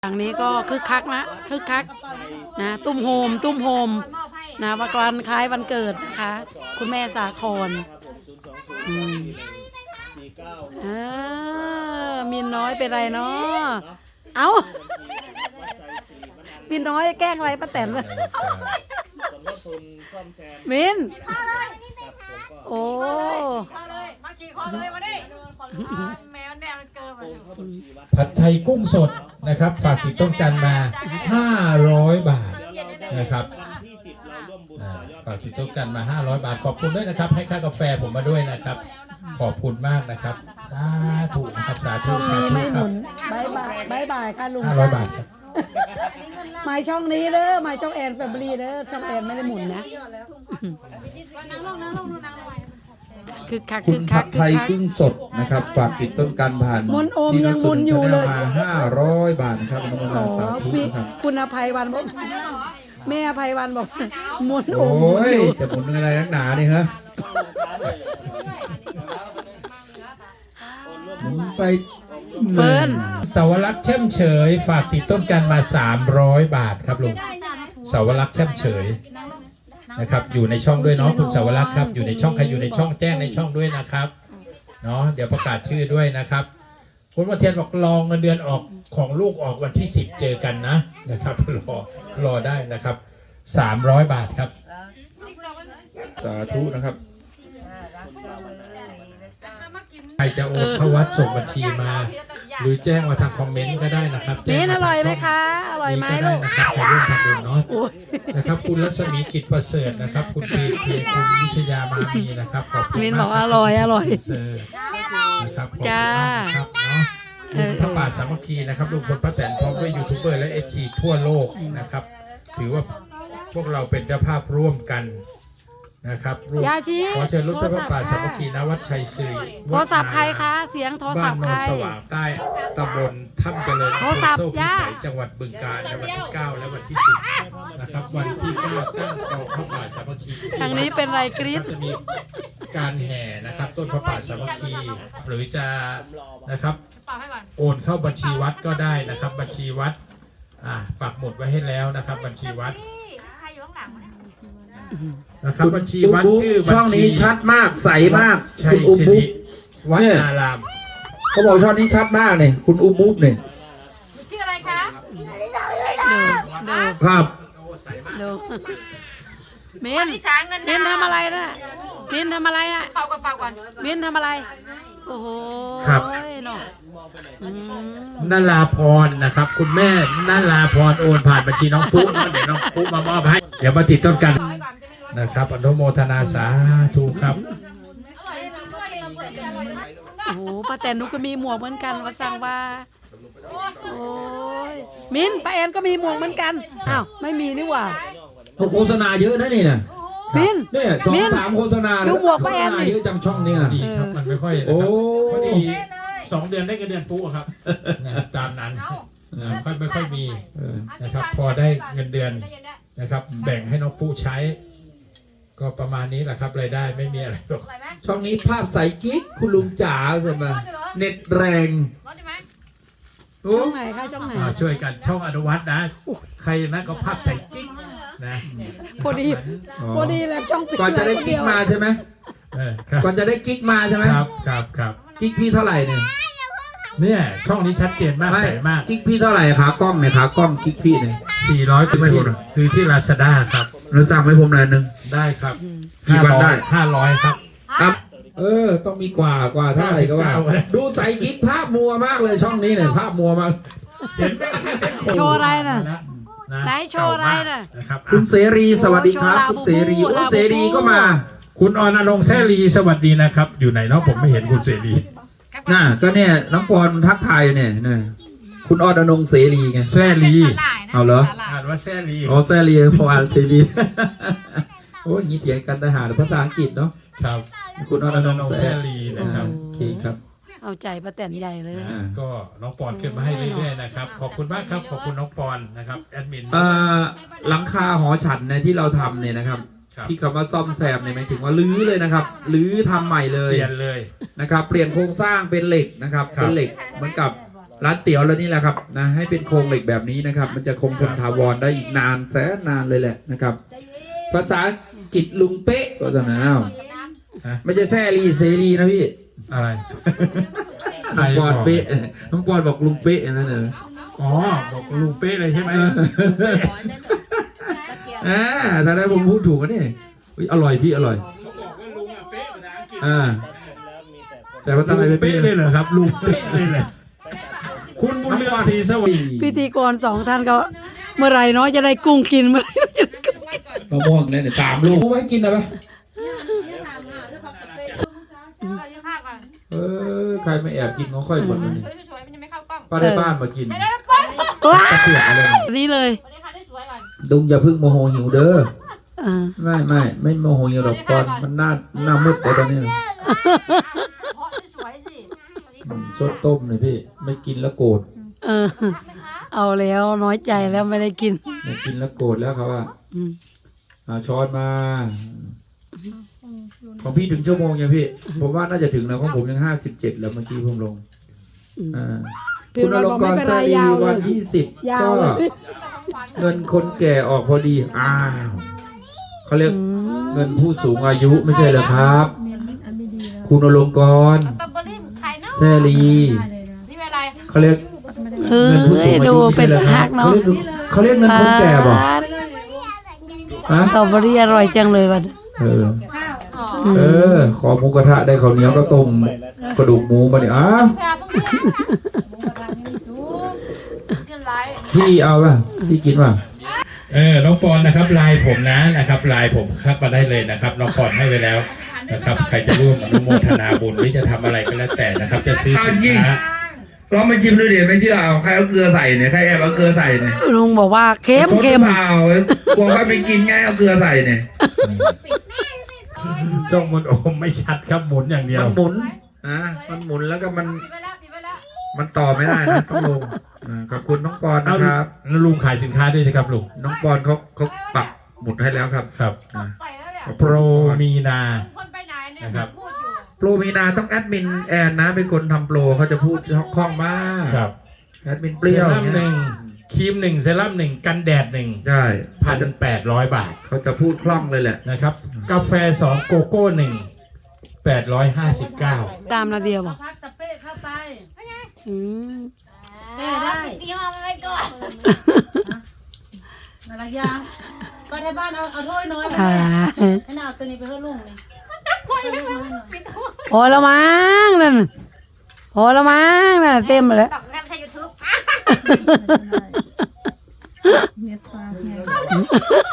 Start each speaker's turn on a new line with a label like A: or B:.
A: อย่างนี้ก็คึกคักนะคึกคักนะตุ้มโฮมนะวันคล้ายวันเกิดนะคะคุณแม่สาครมินน้อยเป็นไรเนาะเอามินน้อยแกล้งอะไรป้าแตนเลยมินโอ้
B: มากี่คนเลยมาดิแมวแนวมันเกินมา
C: ผัดไทยกุ้งสดนะครับฝากติดต้นกันมา500 บาทนะครับฝากติดต้นกันมา500 บาทขอบคุณด้วยนะครับให้ค่ากาแฟผมมาด้วยนะครับขอบคุณมากนะครับสาธุนะครับสาธุสาธุครับ
A: บายค่ะลุง
C: 500 บาทครับ
A: มาช่องนี้เด้อมาช่องแอนแฟมิลี่เด้อช่องแอนไม่ได้หมุนนะคือคัก
D: คุณผัดไทยกุ้งสดนะครับฝากติดต้นกันผ่าน
A: มนโอมยังมุนอยู่เลย
D: มา500 บาทนะครับน้องนาสาธุครับ
A: คุณอภัยวันบอกแม่อภัยวันบอกมนโอม
D: โอ้ยจะหมุนอะไรนักหนาเนี่ยฮะหมุนไป
A: เฟิร์น
C: สาวรักษ์แช่มเฉยฝากติดต้นกันมา300 บาทครับลุงสาวรักษ์แช่มเฉยนะครับอยู่ในช่องด้วยเนาะคุณสาวรักษ์ครับอยู่ในช่องใครอยู่ในช่องแจ้งในช่องด้วยนะครับเนาะเดี๋ยวประกาศชื่อด้วยนะครับคุณวันเทียนบอกรอเงินเดือนออกของลูกออกวันที่10เจอกันนะครับรอได้นะครับ300 บาทครับ
D: สาธุนะครับ
C: ใครจะโอนเข้าวัดส่งบัญชีมาหรือแจ้งมาทางคอมเมนต์ก็ได้นะครับ
A: มิ้นอร่อยไหมคะอร่อยไหมลูก
C: นะครับไปร่วมทำบุญเนาะนะครับคุณรัศมีกิจประเสริฐนะครับคุณพีคุณวิชยามามีนะครับขอบคุณ
A: มิ้นบอกอร่อย
C: นะครับจ้าครับเนาะพระป่าสามัคคีนะครับลุงพลป้าแตนพร้อมด้วยยูทูบเบอร์และเอฟซีทั่วโลกนะครับถือว่าพวกเราเป็นเจ้าภาพร่วมกันนะครับขอเชิญลูกเจ้าพระป่าสามัคคีณวัดชัยศรี
A: โทรศัพท์ใครคะเสียงโทรศัพท์ใคร
C: บ้านโนนสว่างใต้ตำบลถ้ำเจริญอำเภอโซ่พิสัยจังหวัดบึงกาฬในวันที่9และวันที่10นะครับวันที่9ตั้งกองพระป่าสามัคคี
A: ทางนี้เป็นไรกรี๊ด
C: จะมีการแห่นะครับต้นพระป่าสามัคคีหรือจะนะครับโอนเข้าบัญชีวัดก็ได้นะครับบัญชีวัดปักหมุดไว้ให้แล้วนะครับบัญชีวัดนะครับบัญชีวัดชื่อ
D: ช่องนี้ชัดมากใสมาก
C: ชัยสิริวัดนาราม
D: เขาบอกช่องนี้ชัดมากเนี่ยคุณอุ้มบุ๊บเนี่ย
B: ชื่ออะไรคะ
D: ครับ
A: มินทำอะไรนะมินทำอะไรนะ
B: เป่าก่อน
A: มินทำอะไรโอ้โห
C: ครับนาราพรนะครับคุณแม่นาราพรโอนผ่านบัญชีน้องปุ๊เดี๋ยวน้องปุ๊มามอบให้เดี๋ยวมาติดต้นกันนะครับอนุโมทนาสาธุครับ
A: โอ้โหป้าแตนนุก็มีหมวกเหมือนกันว่าสั่งว่าโอ้ยมินป้าแอนก็มีหมวกเหมือนกันอ้าวไม่มีนี่หว่า
D: โฆษณาเยอะนะนี่นะ
A: มิน
D: เนี่ย2-3โฆษณา
A: ดูหมวกป้าแอน
D: เยอะจังช่องนี้
C: ดีครับมันไม่ค่อยนะครับพอดี2 เดือนได้เงินเดือนปุ๊ครับตามนั้นไม่ค่อยมีนะครับพอได้เงินเดือนนะครับแบ่งให้น้องปุ๊ใช้ก็ประมาณนี้แหละครับรายได้ไม่มีอะไรหรอก
D: ช่องนี้ภาพใสกิ๊กคุณลุงจ๋าใช่ไหมเน็ตแรง
A: ช่องไหนคะช่องไหน
C: ช่วยกันช่องอนุวัฒน์นะใครนะก็ภาพใสกิ๊กนะ
A: พอดีแล้วช่อง
D: ก่อนจะได้กิ๊กมาใช่ไหมก่อนจะได้กิ๊กมาใช่ไหม
C: ครับ
D: กิ๊กพี่เท่าไหร่
C: เนี่ยช่องนี้ชัดเจนมากใสมาก
D: กิ๊กพี่เท่าไหร่ขากล้องเนี่ยขากล้องกิ๊กพี่เนี่ย
C: 400ไม่ผมซื้อที่ราชดาครับ
D: เราสั่งให้ผมหน่อยนึง
C: ได้ครับ
D: กี่วันได้
C: 500ครับ
D: ต้องมีกว่าเท่าไหร่ก็ว่าดูใส่กิ๊กภาพมัวมากเลยช่องนี้เนี่ยภาพมัวมาก
C: เห็น
A: โชว์อะไรน่ะไหนโชว์อะไรน่ะ
D: คุณเสรีสวัสดีครับคุณเสรีเสรีก็มา
C: คุณอรณรงค์แสรีสวัสดีนะครับอยู่ไหนเนาะผมไม่เห็นคุณเสรี
D: ก็เนี่ยน้องปอนทักทายเนี่ยคุณอรณรงค์เสรีไง
C: แสรี
D: เอาเหรอ
C: อ่านว่าแสรี
D: แสรีพออ่านเสรีโอ้ยงี้เถียงกันทหารภาษาอังกฤษเนาะ
C: ครับ
D: คุณอรณรงค์แสรี
C: นะครับ
D: โอเคครับ
A: เอาใจป้าแตนใหญ่เลย
C: ก็น้องปอนขึ้นมาให้เรื่อยๆนะครับขอบคุณมากครับขอบคุณน้องปอนนะครับแอดมิน
D: หลังคาหอฉันเนี่ยที่เราทำเนี่ยนะครับที่คำว่าซ่อมแซมเนี่ยหมายถึงว่ารื้อเลยนะครับรื้อทำใหม่เลย
C: เปลี่ยนเลย
D: นะครับเปลี่ยนโครงสร้างเป็นเหล็กนะครับเป็นเหล็กเหมือนกับร้านเตี๋ยวแล้วนี่แหละครับนะให้เป็นโครงเหล็กแบบนี้นะครับ มันจะคงทนถาวรได้อีกนานแสนนานเลยแหละนะครับ ภาษาอังกฤษลุงเป๊ะก็จะนะไม่ใช่แซ่รีเซรีนะพี่
C: อะไร
D: น้องปอนเป๊ะน้องปอนบอกลุงเป๊ะนั่นเอง
C: อ๋อบอกลุงเป๊ะเลยใช่ไหม
D: ถ้าได้ผมพูดถูกกันนี่อร่อยพี่อร่อยแต่ว่าทำไม
C: ลุง
D: เป๊ะ
C: เป๊ะเลยเหรอครับลุงเป๊ะเลยเหรอคุณบุญเรืองศรีสวัสดิ์
A: พิธีกรสองท่านก็เมื่อไหรเนาะจะได้กุ้งกินเมื่อไหรจะได้กุ้งกิน
D: มะม่วงเนี่ย3 ลูกไว้กินนะปะ
B: เยอะมากก่อน
D: ใครไม่แอบกินของค่อยคนนี้
B: สวยๆมันยังไม่เข้ากล้อง
D: ป้าได้บ้านมากิน
B: เดี๋ยวๆป๊อ
A: ว้า
D: ตะเกียบอะไร
A: นี่เลย
B: สวัสดีค่ะสวยๆก่อน
D: ดุงอย่าเพึ่งโมโหหิวเด้อ
A: อ่า
D: ไม่โมโหหิวหรอกตอนมันหน้ามืดไปตอนนี้
B: เพราะสวยๆสิ
D: ชดต้มเลยพี่ไม่กินแล้วโกรธ
A: เออเอาแล้วน้อยใจแล้วไม่ได้กิน
D: ไม่กินแล้วโกรธแล้วครับว่า
A: อืม
D: ช้อนมาของพี่ถึงชั่วโมงยังพี่ผมว่าน่าจะถึงแล้วของผมยัง57แล้วเมื่อกี้ผมลง
A: พี่
D: คุณอ
A: น้อย
D: ล
A: บ
D: ง
A: อก
D: ก
A: ไม่
D: ร
A: เป็น
D: แซ
A: ไร
D: ดี
A: ยาวเล
D: วัน
A: ย
D: ที่
A: ยา
D: 10
A: ว
D: ก็
A: เลย
D: เงินคนแก่ออกพอดีเขาเรียกเงินผู้สูงอายุไม่ใช่เหรอครับ คุณอลงกร
B: สตรอเบอรี่ไข่เนาะ
D: แซลี
B: นี่เป็นอะไร
D: เขาเรียก
A: เออ
D: เงินผู้สูงอา
A: ดู
D: ยุ
A: เป็น
D: ไม่ใช่เหรอค
A: หั
D: รับ
A: กเนาะ
D: เขาเรียกเงินคนแก่ป่ะฮะ
A: สตรอเบอรี่อร่อยจังเลยวัน
D: ขอหมูกระทะได้ข้าวเหนียวก็ต้มกระดูกหมูมาเนี่ยอ้าว
B: แพรพวกนี้กินไร
D: พี่เอาป่ะพี่กินป่ะ
C: น้องปอนนะครับไลน์ผมนะครับไลน์ผมเข้ามาได้เลยนะครับน้องปอนให้ไว้แล้วนะครับใครจะร่วมอนุโมทนาบุญหรือจะทำอะไรก็แล้วแต่นะครับ จะซื้อสินค้า
D: ลองไปชิมดูดิไม่เชื่อเอาใครเอาเกลือใส่เนี่ยใครแอบเอาเกลือใส่เนี่ย
A: ลุงบอกว่าเค็ม
D: เปล่ากลัวใครไปกินไงเอาเกลือใส่เนี่ย
C: จ้องมันโอมไม่ชัดครับหมุนอย่างเดียว
D: มันหมุนมันหมุนแล้วก็มัน
B: ปิดไปแล้ว
D: มันต่อไม่ได้นะต้องลงขอบคุณน้องปอนนะครับ
C: แล้วลุงขายสินค้าด้วยนะครับลุง
D: น้องปอนเขาปักหมุดให้แล้วครับ
C: ครับ
B: ใส่แล้วเนี่ย
C: โปรมีนา
B: คนไปไหนเนี่ย
C: นะครับ
B: พูดอยู่
D: โปรมีนาต้องแอดมินแอนนะเป็นคนทำโปรเขาจะพูดคล่องมาก
C: ครับ
D: แอดมินเป
C: เซ
D: รี้ยว
C: รั่มหนึ่งครีมหนึ่งเซรั่มหนึ่งกันแดดหนึ่ง
D: ใช่
C: 1,800 บาท
D: เขาจะพูดคล่องเลยแหละ
C: นะครับกาแฟ2โกโก้1 859
A: ตามนาเดียบอก
E: พักตะเป้เข้าไป
A: อืม
E: ได้
B: ตีห้อมันไว้ก่อน
E: นาฬิกาไปที่บ้านเอาถ้วยน้อยไป
A: อ่า
E: ให้น่าเอาตัวนี้ไปให้ลุงนี่
A: พอแล้วมั้งนั่นพอแล้วมั้งนั่นเต็มแล้ว
B: ตักแนมใช้ยูทูบ